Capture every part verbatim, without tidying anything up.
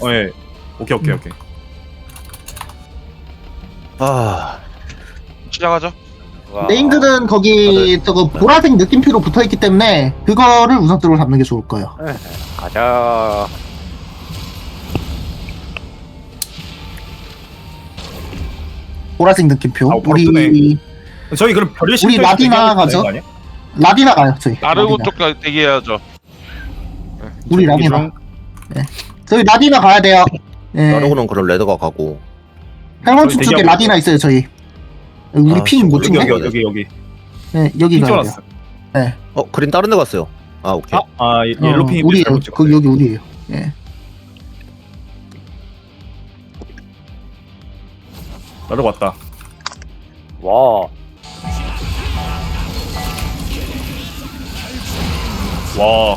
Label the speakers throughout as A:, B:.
A: 어, 예. 오케이 오케이
B: 음.
A: 오케이.
C: 아,
D: 시작하죠. 와.
B: 네임들은 거기 저거 보라색 느낌표로 붙어있기 때문에 그거를 우선적으로 잡는 게 좋을 거예요.
D: 가자.
B: 보라색 느낌표.
A: 아, 바로
B: 우리
A: 뜨네. 저희 그럼 별일
B: 우리 라디나 가죠? 라디나 가요 저희.
D: 나르고
B: 라디나.
D: 쪽 대기해야죠.
B: 우리 라디나. 네. 저희 라디나 가야 돼요. 네.
C: 나르고는 그럼 레드가 가고.
B: 할멈축
A: 저희
B: 쪽에
A: 대기하고
B: 라디나 있어요 저희. 우리
C: 아,
B: 핑 못
C: 여기,
B: 찍네.
A: 여기 여기 여기.
B: 네 여기
A: 핑
B: 가야 돼요.
A: 쫄았어.
B: 네.
C: 어, 그린 다른 데 갔어요. 아, 오케이.
A: 아, 아 예- 옐로
B: 어,
A: 핑이
B: 우리예요.
A: 잘못 찍었네.
B: 그 여기 우리예요. 예.
A: 나도 왔다.
D: 와.
A: 와.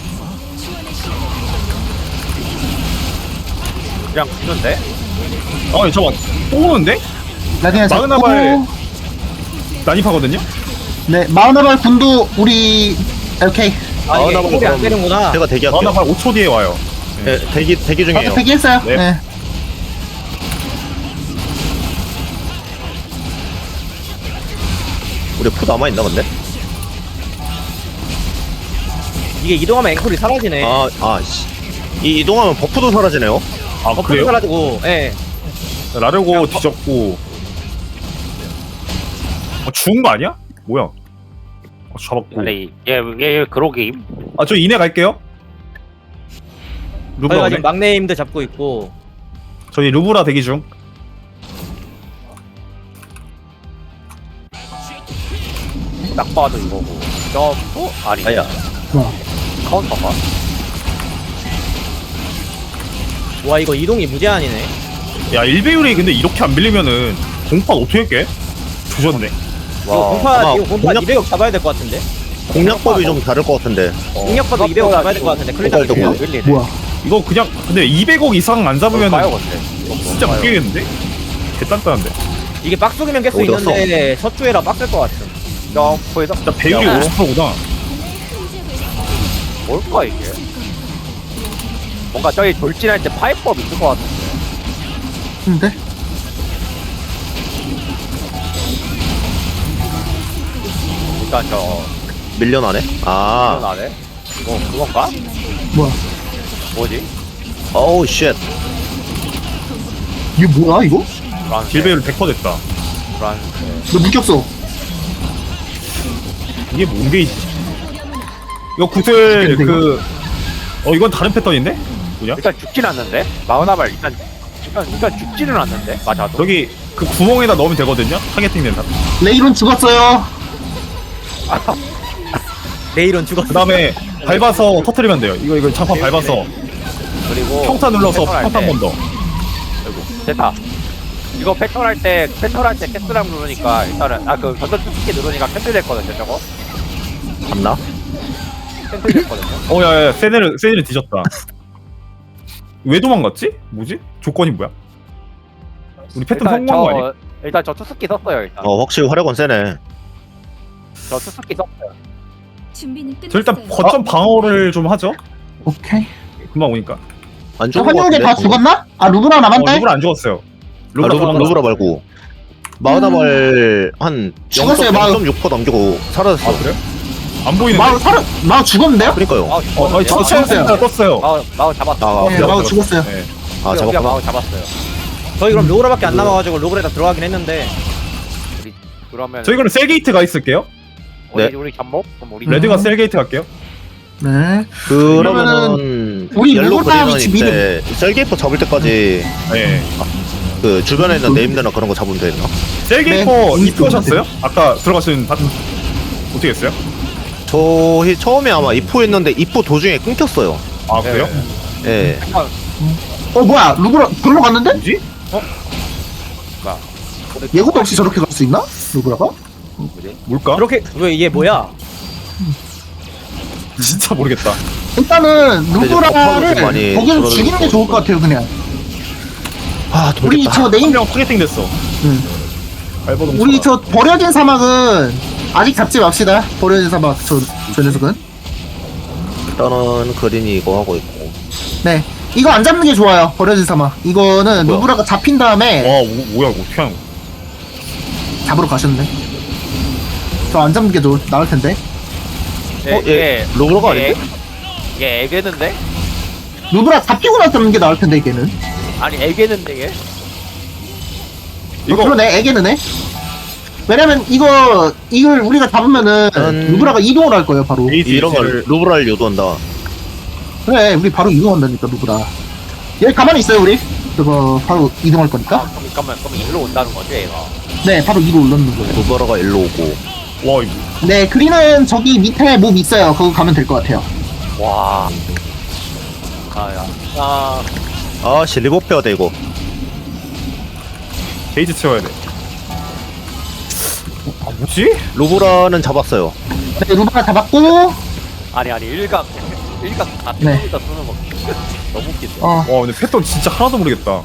D: 그냥 붙는데?
A: 아 잠깐. 또 오는데?
B: 라디나 잡고.
A: 마그나발. 난입하거든요.
B: 네 마그나발 군도 우리 오케이.
C: 아,
E: 이게
C: 나보고
E: 콜이 안
C: 그럼
E: 되는구나.
C: 제가 대기할게요.
A: 마그나발 오 초 뒤에 와요.
C: 네, 대기 대기 중이에요.
B: 어차피 대기했어요.
A: 네.
B: 네.
C: 우리 푸 남아 있나 근데?
E: 이게 이동하면 앵콜이 사라지네.
C: 아, 아, 씨. 이 이동하면 버프도 사라지네요.
A: 아
E: 버프도
A: 그래요?
E: 사라지고, 예.
A: 라르고 뒤졌고. 어, 죽은 거 아니야? 뭐야? 어, 잡았고.
F: 아니 얘얘 그러기
A: 아 저 이내 갈게요. 루브라
E: 저희가
A: 오네.
E: 지금 막내 힘들 잡고 있고,
A: 저희 루브라 대기 중.
F: 딱 봐도 이거고 점프 아니
C: 아야.
B: 뭐.
F: 카운터가
E: 와, 이거 이동이 무제한이네.
A: 야 일배율이 근데 이렇게 안 밀리면은 공파 어떻게 깨? 조졌네.
E: 이거 공파,
C: 아마
E: 이거 공파
C: 공략-
E: 이백억 잡아야 될 것 같은데?
C: 공략법이 좀 다를 것 같은데.
E: 공략파도 이백억 잡아야 될 것 같은데, 클리다
C: 이거
E: 이백억.
F: 밀리네.
B: 뭐야?
A: 이거 그냥 근데 이백억 이상 안 잡으면
F: 봐요 근데
A: 진짜 못 깨겠는데? 개딴딴한데.
E: 이게 빡속이면 깰 수
C: 어디 갔어?
E: 있는데, 첫주에라 빡셀 것 같은.
F: 점프에서
A: 진짜 배율이
F: 야,
A: 오십 퍼센트구나.
F: 뭘까 이게 뭔가 저기 돌진할 때 파이법 있을 것 같은데
B: 근데
F: 일단 저
C: 밀려나네. 아,
F: 안에 이거 그건가?
B: 뭐야?
F: 뭐지?
C: 어우 쉣.
B: 이게 뭐야 이거?
F: 브란스
A: 딜배율 백 퍼센트 됐다.
F: 브란스
B: 너 묶였어.
A: 이게 뭔 게이지? 이거 구슬 그... 어 이건 다른 패턴인데? 뭐냐?
F: 일단 죽진 않는데 마우나발 일단 일단, 일단 죽지는 않는데 맞아도
A: 저기 그 구멍에다 넣으면 되거든요? 타겟팅 된다.
B: 레이론 죽었어요.
E: 내일은 죽었어.
A: 그 다음에 밟아서 터트리면 돼요. 이거 이거 장판 밟아서
F: 그리고
A: 평타 눌러서
F: 패턴 할
A: 평타
F: 때-
A: 한 번 더.
F: 아이고 됐다 이거 패턴 할때 패턴 할때 캐스랑 누르니까 일단은 아그 전전 투스키 누르니까 캔슬 됐거든요 저거
C: 갔나?
F: 캔슬 됐거든요
A: 어 야야 세네를 세네를 뒤졌다. 왜 도망갔지? 뭐지? 조건이 뭐야? 우리 패턴
F: 일단
A: 성공한 거 아니야?
F: 저 일단 저 투스키 썼어요 일단
C: 어, 확실히 화력은 세네.
F: 저 투스키 썼어요
G: 준비는 끝났어요.
A: 저 일단 거점 방어를 좀 하죠.
B: 오케이.
A: 금방 오니까.
C: 안
B: 저
C: 죽은 것
B: 환영대
C: 같은데.
B: 다 죽었나? 아 루브라
A: 어,
B: 남았대?
A: 루브라 안 죽었어요.
C: 아,
A: 루브라
C: 루브라,
A: 루브라
C: 루브라 말고. 마우나발 한
B: 죽었어요, 마우.
C: 영 점 육 퍼센트 남기고 사라졌어.
A: 아 그래? 안 보이는데?
B: 마우 살아 마우 죽었는데요?
C: 그러니까요.
F: 마우
A: 어, 어, 저
B: 죽었어요.
A: 체험센터 떴어요.
F: 마우 마우 잡았어
C: 아,
B: 네,
C: 그래.
B: 마우 죽었어요.
A: 네.
C: 아,
F: 우리가
C: 잡았구나.
F: 마우 잡았어요
E: 저희 그럼 로그라밖에 안 남아가지고 로그에다 들어가긴 했는데,
F: 우리 그러면
A: 저희 그럼 셀게이트 가 있을게요.
F: 우리
C: 네.
F: 우리 잠복 그럼 우리
B: 음.
A: 레드가 셀게이트 갈게요.
B: 네.
C: 그러면은
B: 우리
C: 옐로
B: 루브라
C: 그린은
B: 위치
C: 이때 셀게이퍼 잡을 때까지
A: 네.
C: 그 주변에 있는 네임드나 그런 거 잡으면 되나?
A: 셀게이터
B: 네.
A: 입고하셨어요? 아까 들어가신 바... 어떻게 했어요?
C: 저희 처음에 아마 이포 했는데 이포 도중에 끊겼어요.
A: 아 그래요?
C: 예.
B: 어 뭐야? 루브라 글로 갔는데?
A: 뭐지?
B: 예고도 없이 저렇게 갈 수 있나? 루브라가?
A: 뭘까?
E: 그렇게, 왜 이게 뭐야?
A: 진짜 모르겠다.
B: 일단은
C: 이제 버퍼도
B: 루브라를
C: 좀 많이
B: 거기서
C: 줄어들고
B: 죽이는 게 좋을 것 같아요 그냥.
C: 아,
B: 우리
C: 돌겠다.
B: 저 네임
A: 한명 타겟팅 됐어.
B: 응.
A: 알버동
B: 우리 저 버려진 사막은 아직 잡지 맙시다. 버려진 사막 저, 저 녀석은.
C: 일단은 그린이 이거 하고 있고.
B: 네. 이거 안 잡는 게 좋아요. 버려진 사마. 이거는
C: 뭐야?
B: 누브라가 잡힌 다음에
A: 와 뭐, 뭐야 이거 어떻게 하는 거야?
B: 잡으러 가셨네. 저 안 잡는 게 좋, 나을 텐데.
F: 예,
C: 어, 얘 로그로가 아닌데?
F: 얘 애겠는데?
B: 누브라 잡히고 나서 잡는 게 나을 텐데 이게는.
F: 아니 애겠는데 얘?
B: 이거
A: 이거
B: 그러네. 애기는 해. 왜냐면 이거 이걸 우리가 잡으면은
C: 음.
B: 누브라가 이동을 할 거예요. 바로.
A: 게이지
C: 이런 걸
A: 를
C: 루브라를 유도한다.
B: 그래, 우리 바로 이동한다니까 누브라. 얘 가만히 있어요 우리. 저거 바로 이동할
F: 아,
B: 거니까.
F: 그럼 잠깐만 그럼 일로 온다는 거지 얘가.
B: 네, 바로 위로 올라오는 거예요.
C: 루브라가 일로 오고.
A: 와 이거
B: 네, 그린은 저기 밑에 몹 있어요. 그거 가면 될 것 같아요.
F: 와. 아야. 아.
C: 아, 씨, 리버 빼야 돼, 이거.
A: 게이지 채워야 돼. 아 뭐지?
C: 루브라는 잡았어요.
B: 네, 누브라 잡았고.
F: 아니 아니 일각 일각 다
B: 네.
F: 뜯어다 쓰는 거 너무 웃긴데.
B: 어,
A: 와 근데 패턴 진짜 하나도 모르겠다.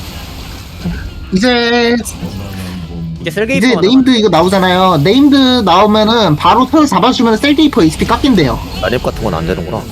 B: 이제
E: 이제 셀게이프
B: 이제 네임드 이거 나오잖아요. 네임드 나오면은 바로 털 잡아주면 셀게이퍼 에이치피 깎인대요.
C: 난입 같은 건 안 되는구나.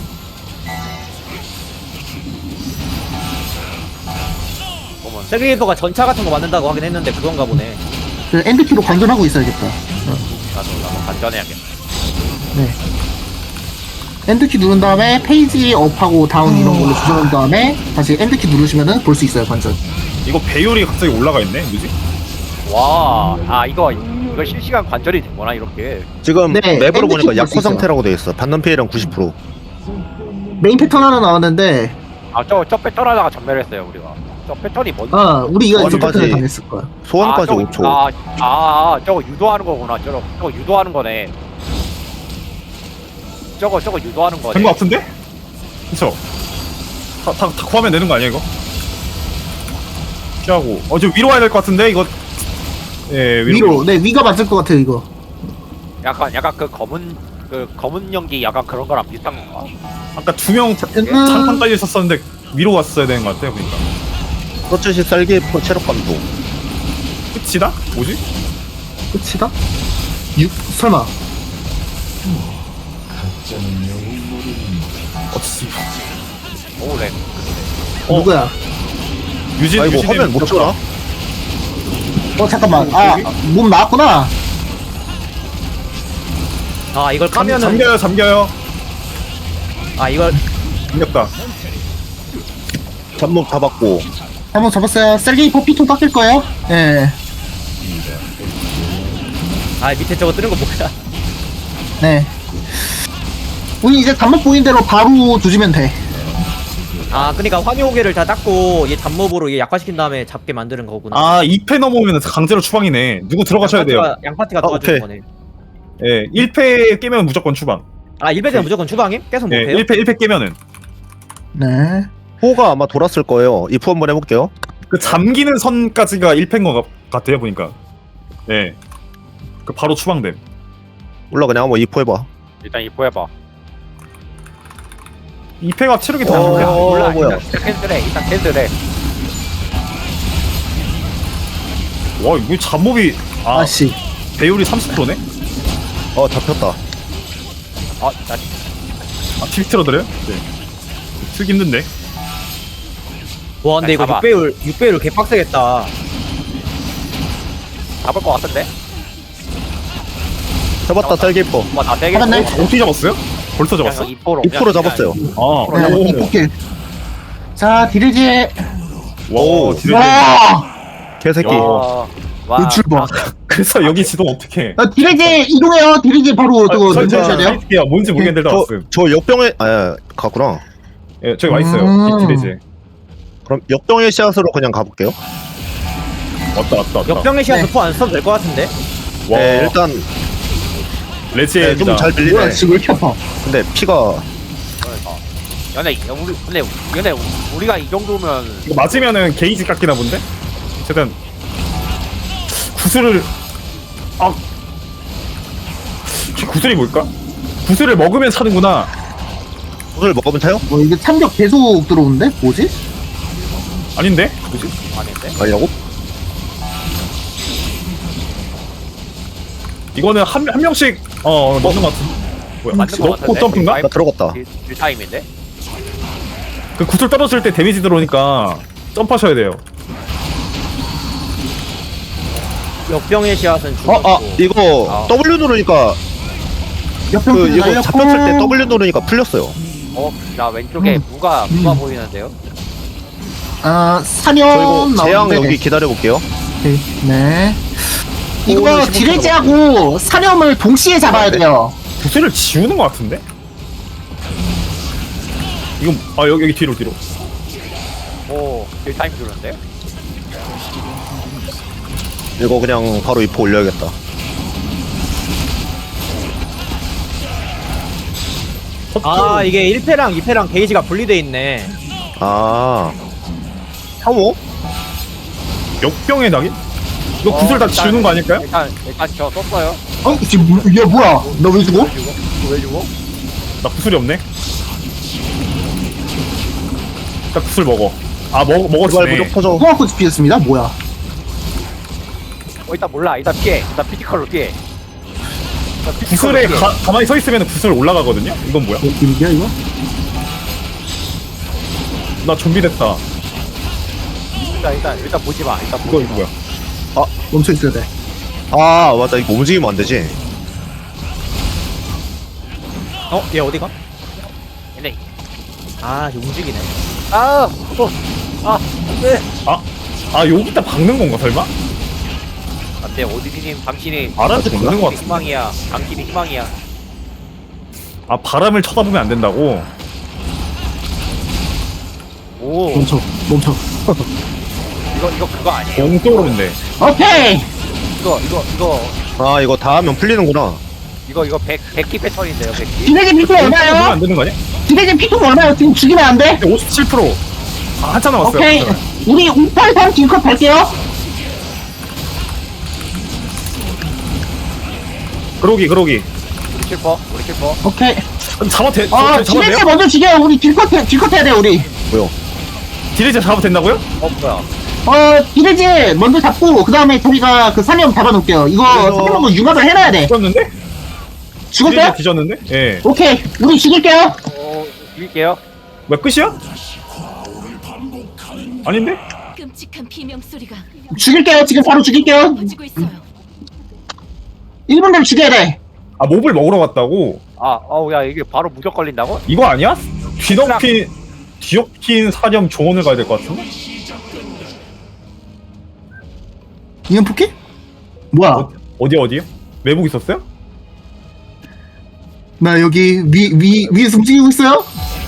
E: 셀게이프가 전차 같은 거 만든다고 하긴 했는데 그건가 보네.
B: 그 엔드키로 관전하고 있어야겠다.
F: 나도 나도 간전해야겠다.
B: 네. 엔드키 누른 다음에 페이지 업하고 다운 이런 걸로 조절한 다음에 다시 엔드키 누르시면은 볼 수 있어요, 관전.
A: 이거 배율이 갑자기 올라가 있네. 뭐지?
F: 와. 아 이거 이거 실시간 관절이 되구나 이렇게.
C: 지금
B: 네,
C: 맵으로
B: 엔드
C: 보니까
B: 킥 볼수
C: 약호
B: 있어요.
C: 상태라고 돼 있어. 받는 피해량 구십 퍼센트.
B: 메인 패턴 하나 나왔는데,
F: 아저저 패턴 하다가 전멸했어요 우리가. 저 패턴이 뭔지.
B: 아, 우리 이거 이제
C: 소환까지.
B: 패턴을 당했을 거야.
C: 소환까지
F: 아, 저거,
C: 오 초.
F: 아, 아, 아, 저거 유도하는 거구나. 저거, 저거 유도하는 거네. 저거, 저거 유도하는 거네.
A: 된 거 같은데? 그쵸? 다, 다, 다 구하면 되는 거 아니야 이거? 피하고 어 저 위로 와야 될 것 같은데 이거 예 위로,
B: 위로, 네, 위가 맞을 것 같아요, 이거.
F: 약간, 약간 그 검은, 그 검은 연기 약간 그런 거랑 비슷한 건가?
A: 아까 두명
B: 음,
A: 장판 깔려 있었었는데 위로 왔어야 되는 것 같아요 그러니까
C: 서치시 쌀기포 체력 감소.
A: 끝이다? 뭐지?
B: 끝이다? 육, 설마.
A: 어 씨.
F: 오, 렉.
A: 어.
B: 누구야?
A: 유진
C: 아이고,
A: 유진이
C: 화면 못 줘라.
B: 어, 잠깐만. 아, 몸 나왔구나.
E: 아 이걸
A: 잠,
E: 까면은
A: 잠겨요 잠겨요
E: 아 이걸
A: 잠겼다
C: 잡목 잡았고.
B: 한번 잡았어요. 셀게이퍼 피통 깎일 거예요. 예.
E: 아 밑에 저거 뜨는 거 뭐야?
B: 네. 우리 이제 단목 보인 대로 바로 조지면 돼.
E: 아 그러니까 환희호계를 다 닦고 얘 잡몹으로 얘 약화시킨 다음에 잡게 만드는 거구나.
A: 아 이 패 넘어오면 강제로 추방이네 누구 들어가셔야 돼요
E: 양파티가, 양파티가
C: 아,
E: 도와주는
C: 오케이.
E: 거네.
A: 예 일 패 깨면 무조건 추방
E: 아 일 패는 무조건 추방임? 계속
A: 예
E: 못해요?
A: 일 패 일 패 깨면은
B: 네.
C: 호가 아마 돌았을 거예요. 이프 한번 해볼게요.
A: 그 잠기는 선까지가 일 패인 것 같아요 보니까 예 그 바로 추방됨
C: 몰라, 그냥 한번 이프 해봐.
F: 일단 입고 해봐.
A: 이 패가 체력이 더
C: 어,
A: 안 좋네
F: 몰라,
C: 뭐야.
F: 일단 캔슬해. 일단 캔슬해.
A: 와 이거 잡몹이 아
B: 아씨.
A: 배율이 삼십 퍼센트네?
C: 어, 잡혔다.
F: 아, 나
A: 아 팁 틀어드려요? 네 틀기 힘든데
E: 와 근데 이거
F: 잡아.
E: 육 배율 육 배율 개빡세겠다.
F: 잡을 것 같은데?
C: 잡았다, 쌀기포.
F: 뭐, 나 되게.
B: 잡았네.
A: 어떻게 잡았어요? 벌써 잡았어?
F: 이포로.
C: 이프로 잡았어요.
A: 아
B: 네,
A: 오.
B: 이폭킬. 자, 디르지.
A: 와
C: 오.
A: 디레
B: 와!
C: 개새끼.
F: 와. 와.
B: 노출 봐.
A: 그래서 여기 지도 어떻게
B: 어, 디르지 이동해요. 디르지 바로 저거
A: 저, 저,
B: 누르셔야 돼요.
A: 저, 뭔지 모르겠는데 다
C: 저,
A: 왔음
C: 저 역병의, 아, 갔구나.
A: 예 저기 와있어요
B: 음.
A: 디레제
C: 그럼 역병의 씨앗으로 그냥 가볼게요.
A: 왔다 왔다 왔다
E: 역병의 시간
B: 네.
E: 도포 안 써도 될 것 같은데?
A: 와
C: 네, 일단
A: 레지에
C: 네, 좀 잘
B: 뭐야,
C: 밀리네.
B: 지금 왜 이렇게 아파?
C: 근데 피가
F: 그러니까. 연애, 우리, 근데, 연애, 우리가 이 정도면.
A: 이거 맞으면은 게이지 깎이나 본데? 어쨌든 구슬을 아 구슬이 뭘까? 구슬을 먹으면 차는구나
C: 구슬 먹으면 차요?
B: 뭐 이게 참격 계속 들어오는데? 뭐지?
A: 아닌데? 뭐지?
F: 아닌데?
C: 아니라고?
A: 이거는 한, 한 명씩 어 넣는 것 같은 뭐야
F: 맞는 거
A: 넣고
F: 같은데?
A: 점프인가?
C: 나 들어갔다.
F: 딜- 딜타임인데?
A: 그 구슬 떨어질 때 데미지 들어오니까 점프하셔야 돼요.
E: 역병의 씨앗은
C: 어, 아,
E: 죽었고.
C: 이거
F: 아.
C: W 누르니까
B: 옆병
C: 그
B: 그
C: 이거
B: 날렸고.
C: 잡혔을 때 W 누르니까 풀렸어요.
F: 어, 나 왼쪽에
B: 음.
F: 무가 무가
B: 음.
F: 보이는데요.
B: 아
C: 저
B: 사냥
C: 이거 재앙
B: 나오는데.
C: 여기 기다려 볼게요.
B: 네. 네.
C: 오,
B: 이거
C: 십오
B: 디레지하고 사념을 동시에 잡아야 돼요.
A: 구슬을 지우는 것 같은데? 이건 아 여기 여기 뒤로 뒤로.
F: 오, 딜타임 주는데?
C: 이거 그냥 바로 이포 올려야겠다.
E: 아 이게 일 패랑 이 패랑 게이지가 분리돼 있네.
C: 아, 혐오?
A: 역병의 낙인? 이거
F: 어,
A: 구슬 다
F: 일단-
A: 지우는 거 아닐까요?
F: 일단 일단 저 썼어요.
B: 어? 지금 뭐- 얘 뭐야? 너 왜 죽어?
F: 왜 죽어? 왜 죽어?
A: 나 구슬이 없네. 딱 구슬 먹어. 아 먹
C: 제발
A: 먹었네.
C: 무적 터져.
B: 호화코 피했습니다. 뭐야?
F: 어, 일단 몰라. 일단 피해. 일단 피지컬로 피해. 일단 피지컬로
A: 구슬에
F: 피해.
A: 가, 가만히 서 있으면 구슬 올라가거든요. 이건 뭐야?
B: 뭐 길이야 이거?
A: 나 좀비 됐다.
F: 일단 일단 일단 보지 마. 일단
A: 이거
F: 보지
A: 이거
F: 마.
A: 뭐야?
B: 멈춰 있어야 돼.
C: 아, 맞다. 이거 움직이면 안 되지.
E: 어? 얘 어디가?
F: 얘네.
E: 아 움직이네.
F: 아, 어, 아, 네.
A: 아 여기다 박는 건가 설마?
F: 안돼. 오디디님, 당신이
A: 알아서 박는 것 같은데.
F: 희망이야. 당신이 희망이야.
A: 아 바람을 쳐다보면 안 된다고.
F: 오,
B: 멈춰. 멈춰.
F: 이거 이거 그거 아니에요?
A: 공도로인데.
B: 오케이.
F: 이거 이거 이거
C: 아, 이거 다 하면 풀리는구나.
F: 이거 이거 백 백기 패턴인데요, 백기.
B: 디레지 피통
A: 보면
B: 얼마요?
A: 안 되는 거 아니야?
B: 디레지 피통 얼마요? 지금 죽이면 안 돼?
A: 오십칠 퍼센트. 아 한참 남았어요.
B: 오케이.
A: 괜찮아요.
B: 우리 우팔삼 딜컷 할게요.
A: 그러기 그러기.
F: 우리 킬퍼, 우리 킬퍼.
B: 오케이.
A: 잡아 돼?
B: 어,
A: 잡아
B: 디레지
A: 돼요?
B: 먼저 죽여. 우리 딜컷 해, 딜컷 해야 돼 우리.
C: 뭐요?
A: 디레이저 잡아 된다고요?
F: 어 뭐야?
B: 어, 디레지 먼저 잡고 그 다음에 저희가 그 사념 잡아놓을게요. 이거
C: 그래서-
B: 사념으로 융합을 해놔야 돼.
A: 뒤졌는데?
B: 죽었어요?
A: 디레이저 뒤졌는데? 예.
B: 오케이. 우리 죽일게요.
F: 어, 이길게요.
A: 뭐야 끝이야? 아닌데?
G: 끔찍한 비명 소리가
B: 죽일게요. 지금 바로 죽일게요.
G: 퍼지고 있어요.
B: 일 분 되면 죽여야 돼.
A: 아 몹을 먹으러 갔다고?
F: 아, 어우 야 이게 바로 무적 걸린다고?
A: 이거 아니야? 뒤덮인 뒤엎인 사념 조언을 가야 될 것 같은데?
B: 이건 포켓? 뭐야?
A: 어, 어디 어디요? 외국 있었어요?
B: 나 여기 위, 위, 위에서 움직이고 있어요?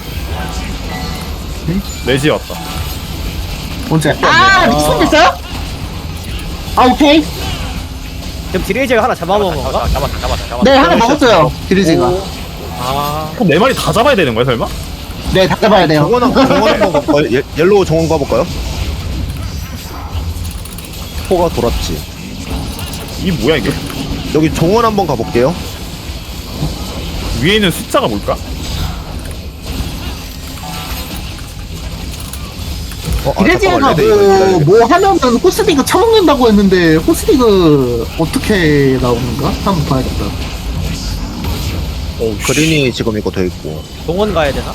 A: 레지 왔다.
B: 언제? 아, 미친 됐어요? 아, 오케이.
E: 그럼 디레이저가 하나 잡아먹은 건가?
F: 잡았다, 잡았다, 잡았다, 잡았다.
B: 네, 하나 먹었어요. 디리지가.
E: 아
A: 그럼 네 마리 다 잡아야 되는 거야 설마?
B: 네, 다 잡아야 돼요.
C: 정원 한, 정원 한번 가볼까요? 예, 옐로우 정원 가볼까요? 포가 돌았지.
A: 이 뭐야 이게?
C: 여기 정원 한번 가볼게요.
A: 위에 있는 숫자가 뭘까?
C: 어, 아,
B: 디레지가
C: 잠깐만, 레드 이거
B: 뭐,
C: 기다려야겠다.
B: 뭐 하면은 호스디그 처먹는다고 했는데, 호스디그 어떻게 나오는가? 한번 봐야겠다.
A: 어
C: 그린이 지금 이거 돼 있고.
E: 동원 가야 되나?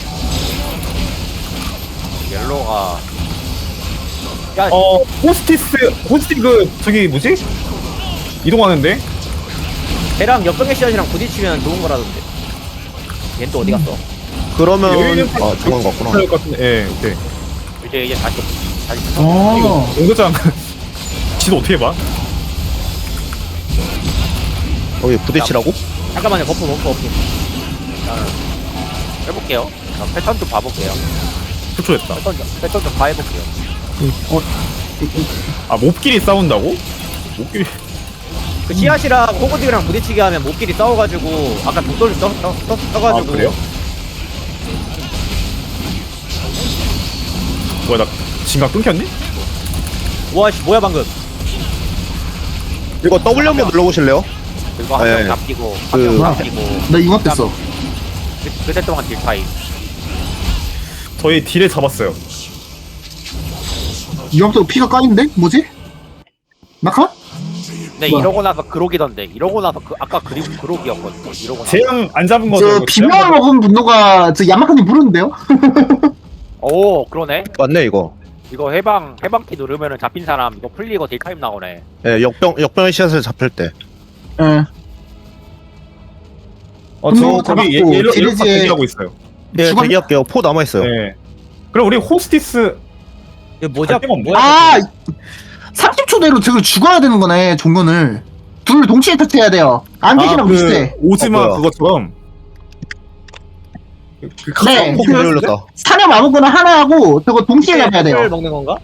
F: 옐로가. 야,
A: 어 호스티스 호스티 그 저기 뭐지? 이동하는데?
E: 걔랑 역병의 씨앗이랑 부딪히면 좋은 거라던데. 얜 또 어디 갔어?
C: 그러면
A: 여유 있는
C: 아 정원 갔구나.
A: 것 같은데. 예, 오케이.
F: 이제 이제 다시 다시.
B: 어.
A: 공소장 지도 어떻게 봐?
C: 여기 부딪히라고?
E: 잠깐만요. 버프 버프 버프.
F: 해볼게요. 자, 패턴 좀 봐볼게요.
A: 초초했다.
F: 패턴 좀 패턴 좀 봐해볼게요.
B: 어,
A: 아 몹끼리 싸운다고? 몹끼리
E: 그 씨앗이랑 코고딕이랑 부딪히게 하면 몹끼리 싸워가지고 아까 독돌 떠, 떠, 떠,
A: 아
E: 떠가지고
A: 그래요? 뭐야 나 진각 끊겼니?
E: 와씨 뭐야 방금.
C: 이거 W 한번 눌러보실래요?
F: 그리고 한 명
C: 네.
F: 잡히고
C: 그-
F: 한 명 잡히고
B: 나 융합됐어.
F: 그- 그때 동안 딜타임.
A: 저희 딜에 잡았어요.
B: 융합되고 피가 까인데? 뭐지? 마카?
F: 네
B: 뭐야?
F: 이러고 나서 그록이던데. 이러고 나서 그 아까 그리고 그록이었거든. 이러고 나서.
A: 재앙 안 잡은 거죠?
B: 저
A: 이거
B: 비명을
A: 재앙
B: 먹은 분노가 저 야마카님 부르는데요?
F: 오 그러네.
C: 맞네 이거.
F: 이거 해방 해방키 누르면은 잡힌 사람 이거 풀리고 딜타임 나오네.
C: 예, 역병 역병의 씨앗을 잡힐 때.
B: 예.
A: 어, 저
B: 분노
A: 거기 예-
B: 잡았고,
A: 옐로 옐로
B: 디리지에-
A: 대기하고 있어요.
C: 예,
B: 주방-
C: 대기할게요. 포 남아 있어요.
A: 네. 그럼 우리 호스티스
E: 이거 뭐지?
A: 갈 데가 없네.
E: 뭐야?
B: 아 삼십 초 내로 저걸 죽어야 되는 거네 종건을. 둘 동시에 터트려야 돼요. 안개시랑
A: 그
B: 비슷해.
A: 오즈마
C: 어, 뭐야.
A: 그것처럼. 그, 그
B: 네,
A: 가끔
C: 포
B: 그-
C: 못 올렸다.
B: 사냥 아무거나 하나 하고 저거 동시에 잡아야 돼요.
E: 를 먹는 건가?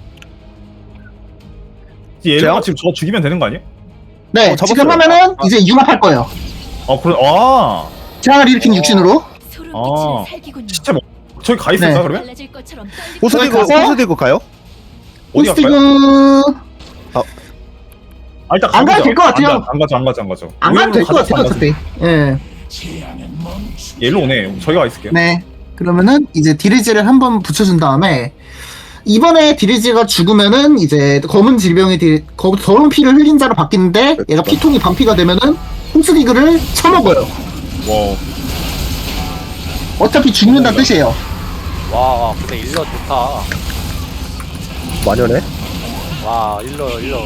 A: 옐로가 지금 저 죽이면 되는 거 아니에요?
B: 네,
C: 어, 잡았어요.
B: 지금 하면은 이제 융합할 거예요.
A: 어 그래. 아
B: 재앙을 일으킨 육신으로.
G: 소름
A: 아.
G: 끼치는 살기군요.
A: 시체 뭐 저기 가 있을까
B: 네.
A: 그러면?
G: 달라질 것처럼 떨리고
C: 호스디그
B: 가서-
C: 호스디그 가요?
A: 어디 갈까요?
B: 호스티그
A: 아 일단
B: 안 가도
A: 가보자.
B: 될것 같아요.
A: 안, 가, 안 가죠 안 가죠 안 가죠.
B: 안 가도 될 것
A: 가져서
B: 같아요
A: 안 가죠.
B: 어차피. 예.
A: 옐로 오네. 저희가 가 있을게요.
B: 네. 그러면은 이제 디리지를 한번 붙여준 다음에 이번에 디리지가 죽으면은 이제 검은 질병이 디, 거, 더러운 피를 흘린 자로 바뀌는데 얘가 피통이 반피가 되면은 홈스디그를 쳐먹어요.
A: 와.
B: 어차피 죽는다는 뜻이에요.
F: 와 근데 일러 좋다.
C: 마녀네.
F: 와 일러 일러.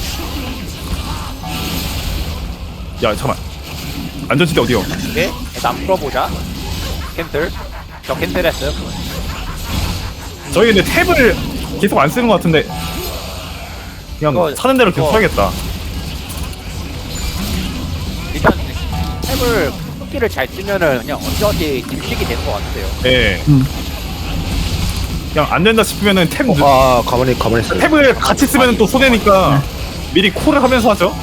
A: 야 잠깐. 안전지대 어디요?
F: 오케이 일단 풀어보자. 캔슬. 저 캔슬했어요.
A: 저희 근데 탭을 계속 안 쓰는 것 같은데 그냥
F: 이거-
A: 사는 대로 계속
F: 이거-
A: 써야겠다.
F: 일단 탭을 토끼를 잘 쓰면은 그냥 언제어디 딜식이 되는 것 같아요.
A: 네.
B: 음.
A: 그냥 안 된다 싶으면은 탭
C: 어,
A: 누-
C: 아 가만히 가만히 있어요.
A: 탭을 같이 쓰면 또 손해니까 미리 콜을 하면서 하죠.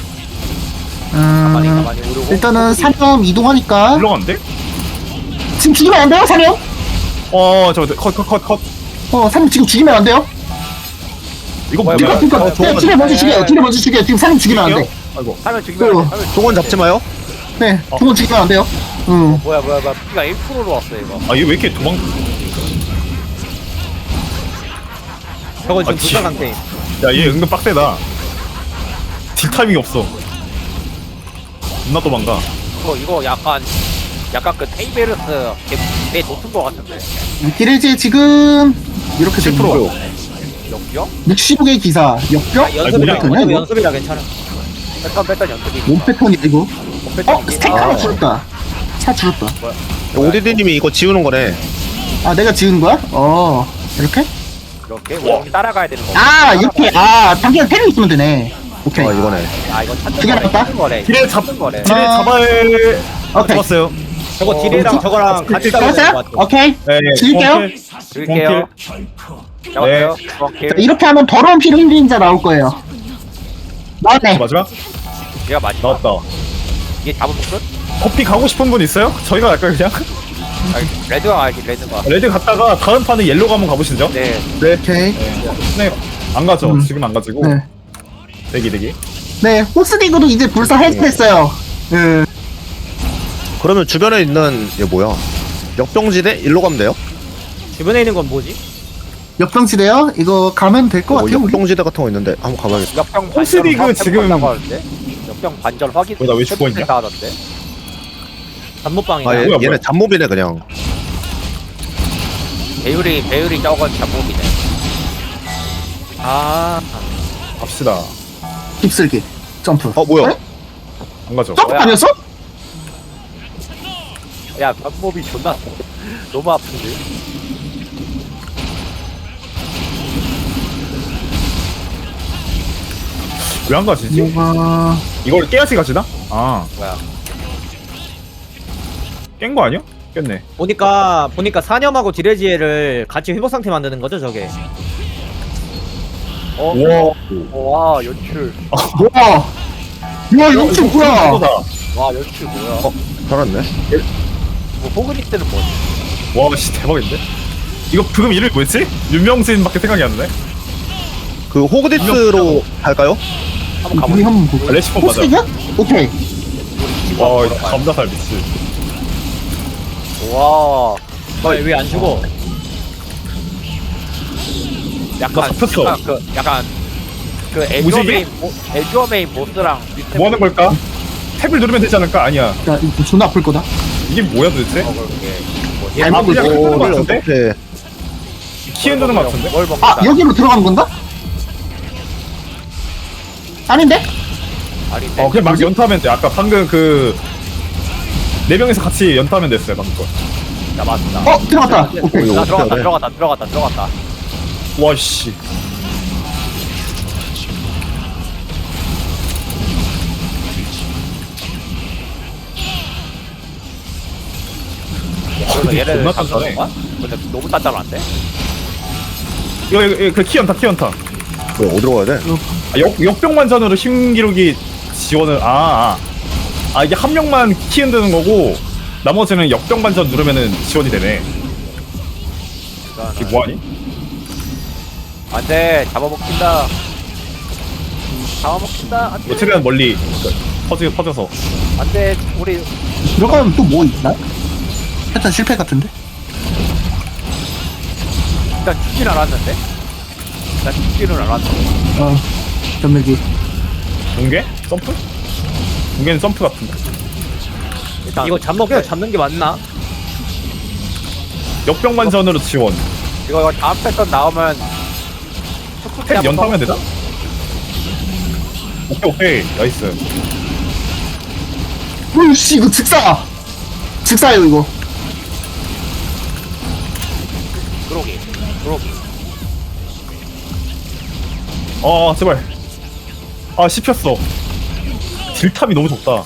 F: 가만히
B: 음,
F: 가만히 오르고.
B: 일단은 사념 이동하니까
A: 올라간대?
B: 지금 죽이면 안 돼요 사념?
A: 어, 저 컷 컷 컷 컷.
B: 어 사념 지금 죽이면 안 돼요?
A: 이거
F: 뭐야,
A: 뭐야?
F: 뭐야.
B: 그러니까
C: 어,
B: 그러니까 딜에 먼저 죽여요. 딜에 먼저 죽여요. 지금 사념 죽이면 안 돼.
A: 아이고.
F: 하면 죽이면 안 돼. 하면
C: 종원 잡지 마요.
B: 네,
A: 어.
B: 두번 죽이면 안 돼요. 응.
F: 뭐야 뭐야 뭐야 피가 일 퍼센트로 왔어 이거.
A: 아, 얘 왜 이렇게 도망?
E: 저거 지금
A: 아,
E: 부자
A: 지-
E: 상태.
A: 야, 얘 은근 빡세다. 딜 타이밍이 없어. 겁나 도망가.
F: 이거 이거 약간 약간 그 테이베르스 내 높은 거 같은데.
B: 디레지 지금 이렇게
A: 칠
B: 되는
A: 퍼센트.
B: 거.
F: 역겨?
B: 육십오 개 기사
E: 아,
B: 역병?
E: 연습이라
A: 아니,
B: 뭐야,
E: 어차피
B: 이거?
E: 연습이라 괜찮아.
F: 패턴 패턴 연습이.
B: 몸 패턴이 이거. 어? 스택 하나
C: 아.
B: 줄었다. 차 줄었다.
C: 오디디님이 이거 지우는 거네.
B: 아 내가 지은 거야? 어 이렇게?
F: 이렇게 우리 따라가야 되는 거.
B: 아 이렇게 아 당장 패를 있으면 되네. 오케이.
C: 아 이거네.
F: 아 이거 찾는
B: 그게
F: 거래.
B: 낫다?
F: 찾는 거래.
A: 딜에 잡
F: 찾는 거래.
A: 딜에
B: 아.
A: 잡아야
B: 오케이.
A: 잡았어요.
E: 저거
B: 어,
E: 딜이랑
B: 저-
E: 저거랑 같이 싸우는 거
B: 잡았어요?
E: 같아.
B: 오케이.
A: 네, 네.
B: 죽일게요.
A: 원킬.
F: 줄게요. 잡았어요. 오케이.
B: 자, 이렇게 하면 더러운 피를 흘리는 자 나올 거예요. 나왔네.
A: 마지막
F: 얘가 맞지.
A: 나왔다.
F: 이게 잡으면 끝?
A: 커피 가고 싶은 분 있어요? 저희가 갈까요 그냥?
F: 아니, 레드가 가야지 레드가.
A: 레드 갔다가 다음 판에 옐로가 한번 가보시죠.
F: 네.
B: 오케이.
A: 네. 안 가죠.
B: 음.
A: 지금 안 가지고.
B: 네.
A: 대기 대기.
B: 네. 호스디그도 이제 불사 해제했어요. 예.
C: 그러면 주변에 있는 얘 뭐야? 역병지대 일로 가면 돼요?
E: 주변에 있는 건 뭐지?
B: 역병지대요? 이거 가면 될 것
C: 어,
B: 같아요. 우리.
C: 역병지대 같은 거 있는데 한번 가봐야겠다.
F: 역병
A: 호스리그
F: 반전
A: 지금-
F: 확인한다고 하는데? 역병 반전 확인.
A: 왜, 나왜 죽어 있냐?
F: 하던데.
E: 잠못방이다.
C: 아 얘,
A: 뭐야, 뭐야.
C: 얘네 잡몹이네 그냥.
F: 배율이 배율이 적은 잡목이네.
E: 아,
A: 갑시다.
B: 휩쓸기. 점프.
C: 어 뭐야?
B: 네?
A: 안 가죠.
B: 점프
F: 뭐야?
B: 아니었어?
F: 야 잡목이 존나 너무 아픈데.
A: 왜 안 가지지?
B: 뭐가
A: 이걸 깨야지 가지나? 아,
F: 뭐야?
A: 깬 거 아니야? 깼네.
E: 보니까 보니까 사념하고 디레지에를 같이 회복 상태 만드는 거죠, 저게.
F: 어?
A: 우와.
F: 와 연출.
B: 뭐야? 야 이거 좀 뭐야?
A: 이거다.
F: 와 연출 뭐야?
C: 어 살았네.
F: 뭐 호그니스는 뭐지?
A: 와, 씨 대박인데? 이거 방금 이름이 뭐였지? 윤명진밖에 생각이 안 나네.
C: 그 호그디스로 갈까요?
F: 한번
B: 우리
F: 가보자.
B: 한번 보자.
A: 아, 레시폰 맞아.
B: 호스디그? 오케이.
A: 와, 이거 감자살 미치.
F: 와.
E: 왜 안 죽어?
F: 약간
A: 나 잡혔어.
F: 약간 그 약간 그
A: 무지개?
F: 에주어 메인 보- 에주어 메인 보스랑 비슷해
A: 뭐 하는 걸까? 탭을 누르면 되지 않을까? 아니야.
B: 야 이거 존나 아플 거다.
A: 이게 뭐야 도대체?
F: 보이는 거, 그게.
B: 잘
A: 아,
B: 먹을
A: 그냥
B: 거.
A: 끄는 거
C: 이걸
A: 같은데?
C: 어떻게?
A: 키 흔드는 것 같은데?
F: 뭘 먹고
B: 아 여기로 들어가는 건가? 아닌데?
F: 아닌데.
A: 어 그냥 막 연타하면 돼. 아까 방금 그 네 명이서 같이 연타하면 됐어요 방금 거.
F: 야 맞다.
B: 어 들어갔다. 오케이.
C: 이거
F: 나
C: 어떻게
F: 들어갔다
C: 해야 돼?
F: 들어갔다 들어갔다 들어갔다.
A: 와씨.
F: 그래서
A: 근데
F: 얘를
A: 존나
F: 잠그는
A: 단단해.
F: 거야? 근데 너무 단단한데?
A: 이거 이거, 이거 그 키 연타 키 연타.
C: 왜 어디로 가야 돼?
A: 아, 역 역병만전으로 신기록이 지원을 아, 아. 아 이게 한 명만 키 흔드는 거고 나머지는 역병반전 누르면은 지원이 되네. 이게 뭐하니?
F: 안돼 잡아먹힌다. 잡아먹힌다. 안돼.
A: 뭐 최대한 멀리 퍼지 퍼져서.
F: 안돼 우리
B: 들어가면 또 뭐 있나? 패턴 실패 같은데?
F: 일단 죽진 않았는데. 일단 죽지는 않았는데.
B: 어 전멸기.
A: 공개? 점프? 공개는 점프 같은데.
F: 일단
E: 이거 잡먹 그냥 잡는 게 맞나?
A: 역병반전으로 지원.
F: 이거 이거 다음 패턴 나오면
A: 탭 연타하면 되나? 오케이 오케이 나이스.
B: 으씨 이거 즉사. 즉사예요 이거.
F: 그러기 그러기.
A: 아 제발. 아 씹혔어. 딜탑이 너무 좋다.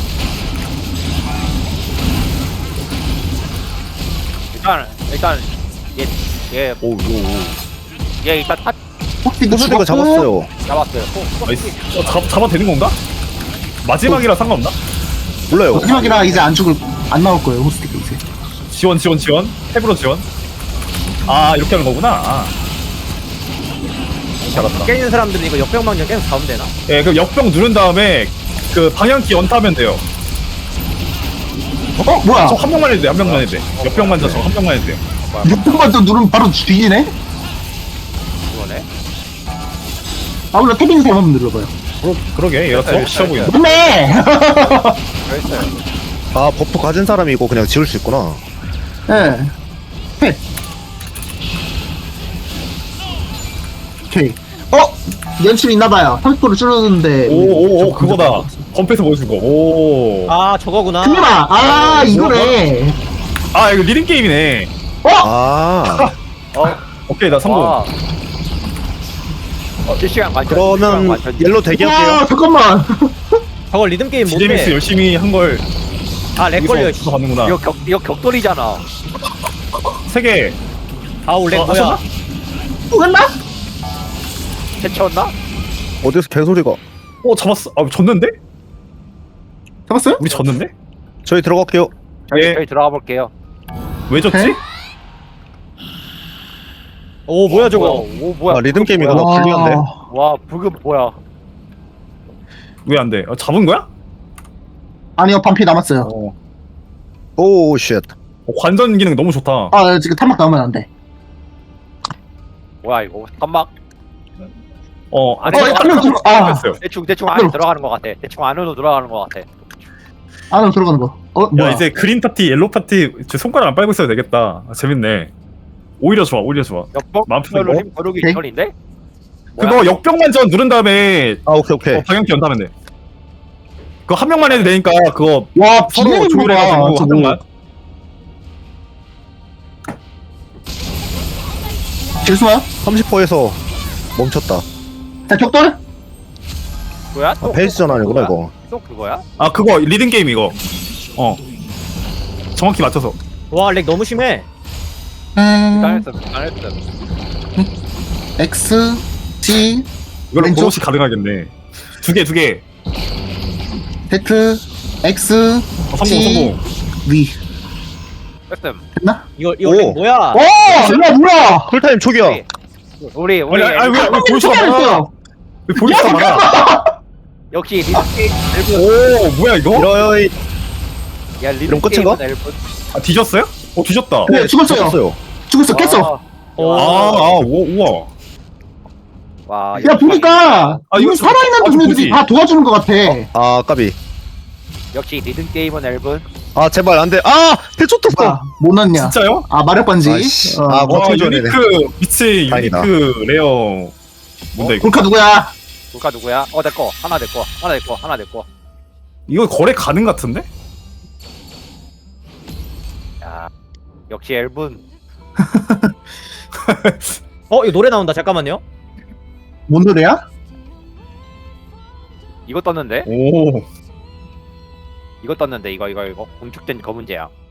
F: 일단 일단 얘얘얘
A: 오, 오, 오.
F: 일단 타
B: 혹시 이거
C: 호수대가
B: 죽었고?
C: 잡았어요.
F: 잡았어요. 호-
A: 나이스. 어, 잡, 잡아 되는 건가? 마지막이라 상관없나?
C: 몰라요.
B: 마지막이라 이제 안 죽을 안 나올 거예요 호스티크 이제.
A: 지원 지원 지원. 탭으로 지원. 아 이렇게 하는 거구나. 아. 잘한다.
E: 깨있는 사람들은 이거 역병망전 계속 잡으면 되나?
A: 예, 그럼 역병 누른 다음에 그 방향키 연타하면 돼요.
B: 어 뭐야?
A: 저 한 명만 해도 돼. 한 명만 해도 돼. 역병만전 저 한 명만 해도 돼요.
B: 육등만 또 누르면 바로 뒤지네?
F: 그거네.
B: 아 원래 탭 있는 사람 한번 눌러봐요.
A: 그러, 그러게 얘가 더 쉬워 보이네.
B: 맞네!
F: 그랬어요.
C: 아 버프 가진 사람이 이거 그냥 지울 수 있구나.
B: 예. 탭. 오케이. 어? 연출 있나봐요. 삼십 퍼센트 줄었는데.
A: 오오오 그거다. 컴패스 보여준 거. 오. 아,
E: 아 저거구나.
B: 그거다! 아, 이거네.
A: 아 이거 리듬 게임이네.
B: 어?
C: 아
F: 어.
A: 오케이 나 성공.
F: 와. 어, 실시간 관전.
C: 그러면
F: 관전.
C: 옐로 대기할게요.
B: 와, 잠깐만.
E: 저거 리듬 게임
A: 지제믹스
E: 뭔데?
A: 열심히 한 걸
E: 아렉 걸려.
A: 여기서 받는구나.
F: 이거 격 이거 격돌이잖아.
A: 세 개.
E: 아우 렉
A: 어,
E: 뭐야?
A: 하셨나?
B: 또 갔나?
F: 해쳤나?
C: 어디서 개소리가?
A: 어 잡았어. 아 졌는데?
B: 잡았어요?
A: 우리 졌는데?
C: 저희 들어갈게요.
F: 저희
A: 예.
F: 저희 들어가 볼게요.
A: 왜 졌지?
B: 네?
E: 오 뭐야 저거?
F: 오 뭐야?
C: 아 리듬 게임 이거
F: 뭐야?
C: 나 불리한데.
F: 와 부금 뭐야?
A: 왜 안 돼? 어, 잡은 거야?
B: 아니요, 반피 남았어요.
A: 어.
C: 오 쉣.
A: 어, 관전 기능 너무 좋다.
B: 아, 지금 탄막 나오면 안 돼.
F: 뭐야 이거? 한막
A: 어, 아,
B: 어, 한명 들어, 아,
A: 했어요.
F: 대충 대충 안에 들어가는 것 같아. 대충 안으로 들어가는 것 같아.
B: 안으로 들어가는 거. 어,
A: 야
B: 뭐야?
A: 이제 그린 파티, 옐로 파티 저 손가락 안 빨고 있어도 되겠다. 아, 재밌네. 오히려 좋아, 오히려 좋아.
F: 역병
A: 마음 편해.
F: 별로림 거르기
B: 오케이.
F: 전인데?
A: 그거 역병만전 누른 다음에
C: 아 오케이 오케이.
A: 어, 방향키 연타면 돼. 그거 한 명만 해도 되니까 그거
B: 와,
A: 서로
B: 비밀인
A: 조율해가지고
B: 거야,
A: 한
B: 저거.
A: 명만.
B: 죄송해요.
C: 삼십 퍼센트에서 멈췄다.
B: 자, 격돌.
F: 뭐야?
C: 아 페이스전 아니구나 이거.
F: 또 그거야?
A: 아 그거 리듬 게임 이거. 어. 정확히 맞춰서.
E: 와 렉 너무 심해.
B: 음,
F: 잘했어, 잘했어.
B: X, G,
A: 이걸로
B: 왼쪽.
A: 보너스 가능하겠네. 두 개, 두 개.
B: Z, X,
A: 어, 성공,
B: G,
A: 성공.
B: V.
F: 됐음.
B: 됐나?
E: 이거 이거
C: 오.
E: 렉 뭐야?
B: 오! 야, 뭐야!
C: 쿨타임 초기야.
F: 우리 우리
A: 아니, 아니, 왜, 왜 보여주가 많아?
B: 했어요.
A: 왜 보여주가 많아?
F: 역시 리듬게임 앨범.
A: 오, 뭐야 이거?
C: 이러이
F: 야
C: 이런 끝인가?
F: 리듬게임은 앨범.
A: 아, 뒤졌어요? 어, 뒤졌다.
B: 네, 죽었어요.
C: 죽었어요.
B: 죽었어, 깼어.
A: 아, 아, 우, 우와.
F: 와.
B: 야, 보니까,
A: 아,
B: 이거
A: 이거
B: 살아있는
A: 아주
B: 동료들이
A: 뭐지?
B: 다 도와주는 것 같아.
C: 아 까비.
F: 역시 리듬게임은 앨범.
C: 아 제발 안돼. 아 대초 떴어.
B: 아, 못 넣냐?
A: 진짜요?
B: 아 마력 반지.
C: 아이씨.
B: 어.
C: 아, 뭐-
A: 와
C: 버텨줘야
A: 유니크 미치
C: 다행이다.
A: 유니크 레어 뭔데 이거?
B: 골카 누구야?
F: 누가 누구야? 어 내꺼 하나 내꺼 하나 내꺼 하나 내꺼.
A: 이거 거래 가능 같은데?
F: 야 역시 엘분.
E: 어 이거 노래 나온다. 잠깐만요.
B: 뭔 노래야?
F: 이거 떴는데?
A: 오
F: 이거 떴는데 이거 이거 이거 공축된 검은재야.